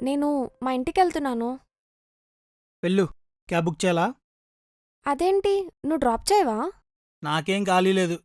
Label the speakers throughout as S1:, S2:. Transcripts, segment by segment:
S1: నేను మా ఇంటికెళ్తున్నాను.
S2: వెళ్ళు. క్యాబ్ బుక్ చేయాలా?
S1: అదేంటి నువ్వు డ్రాప్ చేయవా?
S2: నాకేం ఖాళీ లేదు.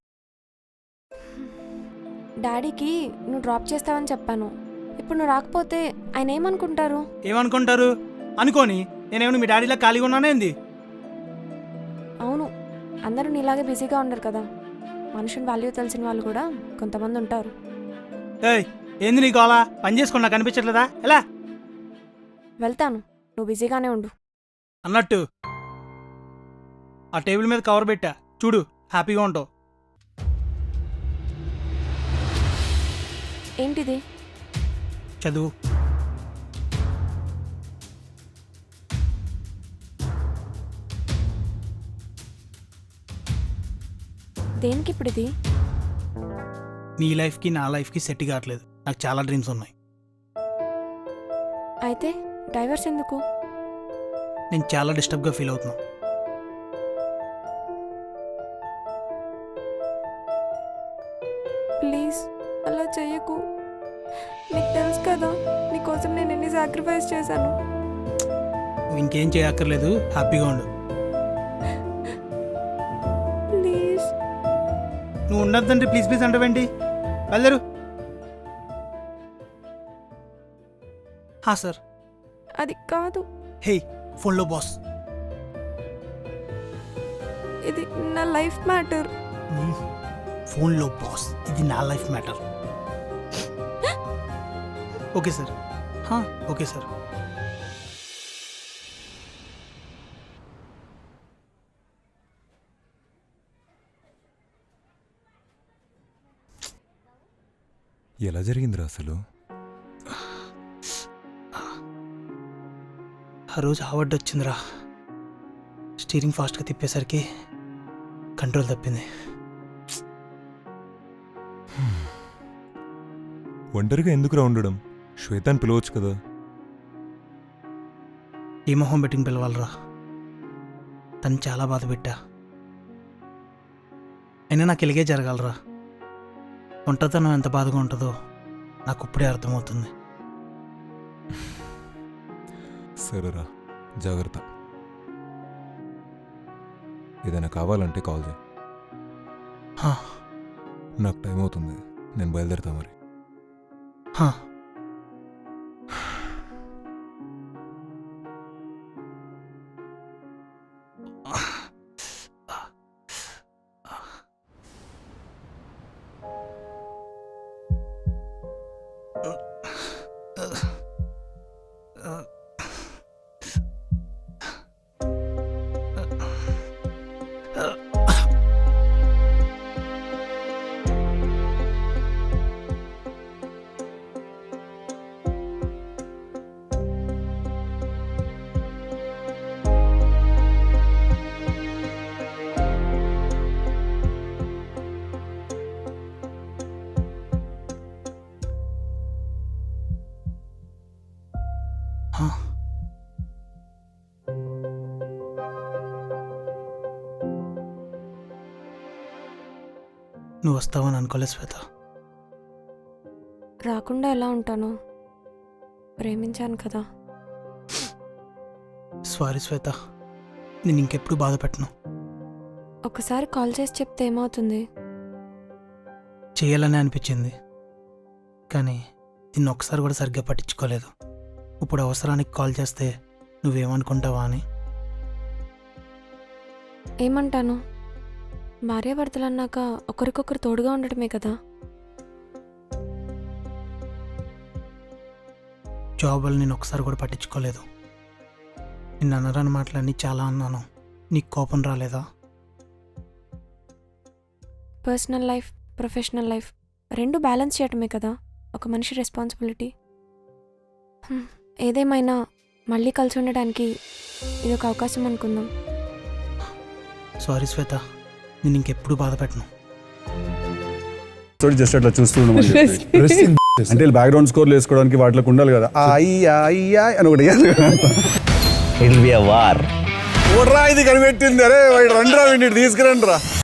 S1: డాడీకి నువ్వు డ్రాప్ చేస్తావని చెప్పాను. ఇప్పుడు నువ్వు రాకపోతే ఆయన ఏమనుకుంటారు?
S2: ఏమనుకుంటారు? అనుకోని నేనేమన్నా మీ డాడీలా ఖాళీగా ఉన్నానేంది?
S1: అవును, అందరూ నీలాగే బిజీగా ఉండరు కదా. మనుషుని వాల్యూ తెలిసిన వాళ్ళు కూడా కొంతమంది ఉంటారు.
S2: ఏయ్, ఏంది నీకు అలా పని చేసుకుని నాకు అనిపించట్లేదా? ఎలా
S1: వెళ్తాను, నువ్వు బిజీగానే ఉండు.
S2: అన్నట్టు ఆ టేబుల్ మీద కవర్ పెట్టా చూడు, హ్యాపీగా ఉంటావు.
S1: ఏంటిది?
S2: చదువు.
S1: దేనికి ఇప్పుడు ఇది?
S2: నీ లైఫ్కి నా లైఫ్కి సెట్ కావట్లేదు. నాకు చాలా డ్రీమ్స్ ఉన్నాయి.
S1: అయితే డైవర్స్ ఎందుకు?
S2: నేను చాలా డిస్టర్బ్గా ఫీల్ అవుతున్నా.
S1: ప్లీజ్ అలా చెయ్యకు. నీకు తెలుసు కదా నీకోసం నేను ఎన్ని సాక్రిఫైస్ చేశాను.
S2: నువ్వు ఇంకేం చేయక్కర్లేదు, హ్యాపీగా ఉండు.
S1: ప్లీజ్.
S2: నువ్వు ఉండద్దంటే ప్లీజ్ ప్లీజ్ అంటావేంటి? వెళ్ళరు. హా సార్.
S1: అది కాదు.
S2: హే, ఫోన్లో బాస్.
S1: ఇది నా లైఫ్ మ్యాటర్.
S2: ఫోన్లో బాస్, ఇది నా life matter. Okay sir. Okay sir.
S3: ఎలా జరిగిందిరా అసలు?
S2: ఆ రోజు అవార్డు వచ్చిందిరా. స్టీరింగ్ ఫాస్ట్గా తిప్పేసరికి కంట్రోల్ తప్పింది.
S3: ఒంటరిగా ఎందుకురా ఉండడం? శ్వేతాన్ని పిలవచ్చు కదా.
S2: ఈ మొహం బెట్టింగ్ పిలవాలరా. తను చాలా బాధ పెట్టా. అయినా నాకు ఇలాగే జరగాలరా. ఒంటరితనం ఎంత బాధగా ఉంటుందో నాకు ఇప్పుడే అర్థమవుతుంది.
S3: సరేరా, జాగ్రత్త. ఏదైనా కావాలంటే కాల్ చేయి.
S2: హా,
S3: నాకు టైం అవుతుంది, నేను బయలుదేరుతా మరి.
S2: హా. నువ్వు వస్తావని అనుకోలేదు శ్వేత.
S1: రాకుండా ఎలా ఉంటాను? ప్రేమించాను కదా.
S2: సారీ శ్వేత, నేను ఇంకెప్పుడు బాధ పెట్టను.
S1: ఒకసారి కాల్ చేసి చెప్తే ఏమవుతుంది?
S2: చేయాలని అనిపించింది, కానీ నిన్ను ఒకసారి కూడా సరిగ్గా పట్టించుకోలేదు. ఇప్పుడు అవసరానికి కాల్ చేస్తే నువ్వేమనుకుంటావా అని.
S1: ఏమంటాను? భార్యాభర్తలు అన్నాక ఒకరికొకరు తోడుగా ఉండటమే కదా.
S2: జాబ్ వల్ల నేను ఒకసారి కూడా పట్టించుకోలేదు. నిన్ను అనరాని మాటలన్నీ చాలా అన్నాను. నీకు కోపం రాలేదా?
S1: పర్సనల్ లైఫ్, ప్రొఫెషనల్ లైఫ్ రెండు బ్యాలెన్స్ చేయటమే కదా ఒక మనిషి రెస్పాన్సిబిలిటీ. ఏదేమైనా మళ్ళీ కలిసి ఉండడానికి ఇది ఒక అవకాశం అనుకుందాం.
S2: సారీ శ్వేత, నేను ఇంకెప్పుడు బాధ పెట్టను.
S4: జస్ట్ అట్లా చూస్తూ అంటే బ్యాక్గ్రౌండ్ స్కోర్లు వేసుకోవడానికి వాటిలోకి ఉండాలి కదా. అయ్యా అని ఒకటి ఇది కనిపెట్టింది. అరే రండి రా, వీడిని తీసుకురండి రా.